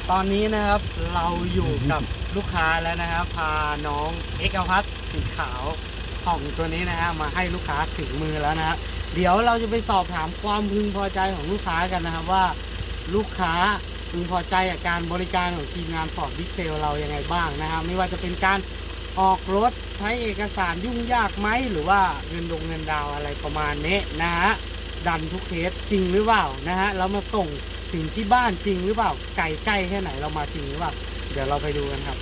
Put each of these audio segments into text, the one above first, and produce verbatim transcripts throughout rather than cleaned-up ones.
ตอนนี้นะครับเราอยู่กับลูกค้าแล้วนะครับพาน้องเอกพัฒน์สีขาวของตัวนี้นะฮะมาให้ลูกค้าถึงมือแล้วนะฮะเดี๋ยวเราจะไปสอบถามความพึงพอใจของลูกค้ากันนะครับว่าลูกค้าพึงพอใจกับการบริการของทีมงานฟอร์ดบิ๊กเซลเรายังไงบ้างนะครับไม่ว่าจะเป็นการออกรถใช้เอกสารยุ่งยากไหมหรือว่าเงินลงเงินดาวอะไรประมาณนี้นะฮะดันทุกเคสจริงหรือเปล่านะฮะเรามาส่งถึงที่บ้านจริงหรือเปล่าไก่ใกล้แค่ไหนเรามาจริงหรือเปล่าเดี๋ยวเราไปดูกันครับ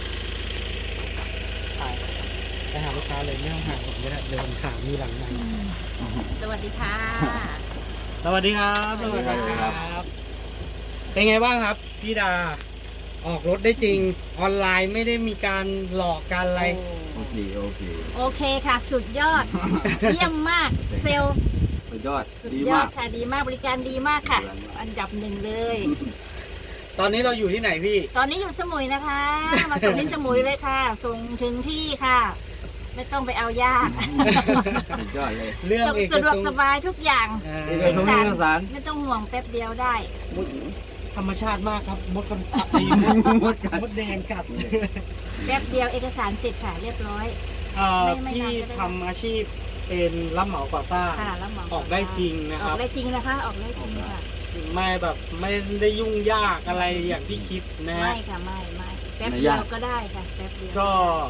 ไปไปหาลูกค้าเลยไม่ต้องหาผมก็ได้เดินถามมีหลังไหนสวัสดีค่ะสวัสดีครับสวัสดีครับเป็นไงบ้างครับพี่ดาออกรถได้จริงออนไลน์ไม่ได้มีการหลอกการอะไรโอเคโอเคโอเคค่ะ สุดยอด เยี่ยมมาก เซลล์สุดยอดสุดดียอมาดกค่ะ ดีมาก บริการดีมากค่ะ อันดับหนึ่งเลยตอนนี้เราอยู่ที่ไหนพี่ตอนนี้อยู่สมุยนะคะ มาส่งที่สมุยเลยค่ะ ส่งถึงที่ค่ะ ไม่ต้องไปเอายากสุดยอดเลยเรื่องเอกสะดวสกงสบายทุกอย่างอ่าเอกสารเอกสารไม่ต้องห่วงแป๊บเดียวได้มดธรรมชาติมากครับมดกันตีมดมดมดแดงกัดแป๊บเดียวเอกสารเสร็จค่ะ เรียบร้อยเอ่อไม่ไม่พี่นานก็ได้ทำอาชีพเป็นรับเหมาก่อสร้างค่ะแล้วหมอออกได้จริงนะอคอรักบได้จริงนะคะ ออกได้จริงค่ะไม่แบบไม่ได้ยุ่งยากอะไรอย่างที่คิดนะฮะไม่ค่ะ ไม่ไม่แป๊บเดียวก็ได้ค่ะ แป๊บเดียวก็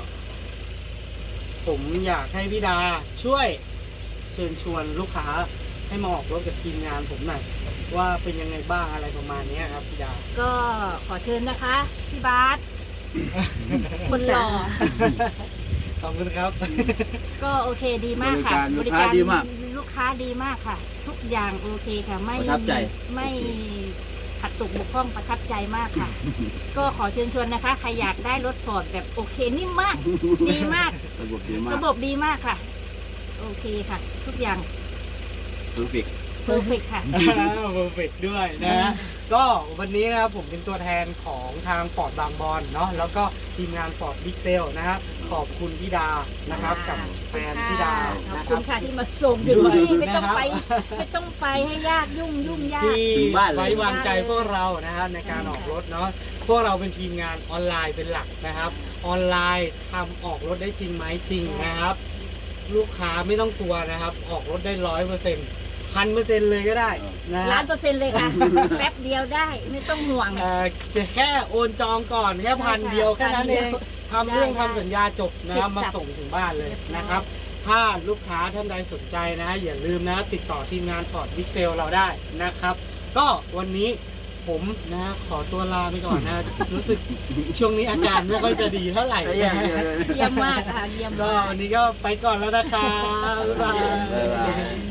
ผมอยากให้พี่ดาช่วยเชิญชวนลูกค้าให้มาออกรถกับทีมงานผมหน่อยว่าเป็นยังไงบ้างอะไรประมาณนี้ครับพี่ดาก็ขอเชิญนะคะ พี่บาส คนหล่อขอบคุณครับก็โอเคดีมากค่ะบริการลูกค้าดีมากลูกค้าดีมากค่ะ ทุกอย่างโอเคค่ะ ไม่ประทับใจไม่ขัดตกบกพร่องประทับใจมากค่ะ ก็ขอเชิญชวนนะคะ ใครอยากได้รถฟอร์ดแบบโอเคนิ่มมาก ดีมากระบบดีมากระบบดีมากค่ะ โอเคค่ะ ทุกอย่างเพอร์เฟกต์เพอร์เฟกค่ะเพอร์เฟกด้วยนะฮะก็วันนี้นะครับผมเป็นตัวแทนของทางฟอร์ดบางบอนเนาะแล้วก็ทีมงานฟอร์ดบิ๊กเซลนะครับขอบคุณพี่ดานะครับกับแฟนพี่ดาขอบนะคคุรัณบค่ะที่มาส่งถึงที่ไม่ต้องนะครับไป ไม่ต้องไปให้ยากยุ่งยุ่งยากที่ถึงบ้านเลยไว้วางใจพวกเรานะครับในการออกรถเนาะพวกเราเป็นทีมงานออนไลน์เป็นหลักนะครับออนไลน์ทำออกรถได้จริงไหมจริงนะครับ ลูกค้าไม่ต้องกลัวนะครับ ออกรถได้ร้อยเปอร์เซ็นต์พันเปอร์เซ็นต์เลยก็ได้นะล้าฮะนเปอร์เซ็นต์เลยค่ะ แป๊บเดียวได้ไม่ต้องห่วงเอ่อแค่โอนจองก่อนแค่พันเดียวแค่นั้นเองทำเรื่องได้ทำสัญญาจบนะครับเสร็จมาสับส่งถึงบ้านเลยเรียบร้อยนะครับ ถ้าลูกค้าท่านใดสนใจนะอย่าลืมนะติดต่อทีมงานฟอร์ดบิ๊กเซลเราได้นะครับ ก็วันนี้ผมนะขอตัวลาไปก่อนนะ รู้สึกช่วงนี้อาการไม่ค่อยจะดีเท่าไหร่แต่อย่างเดียวเลยเยี่ยมมากค่ะเยี่ยมก็มากวันนี้ก็ไปก่อนแล้วนะครับบ๊ายบายบ๊ายบาย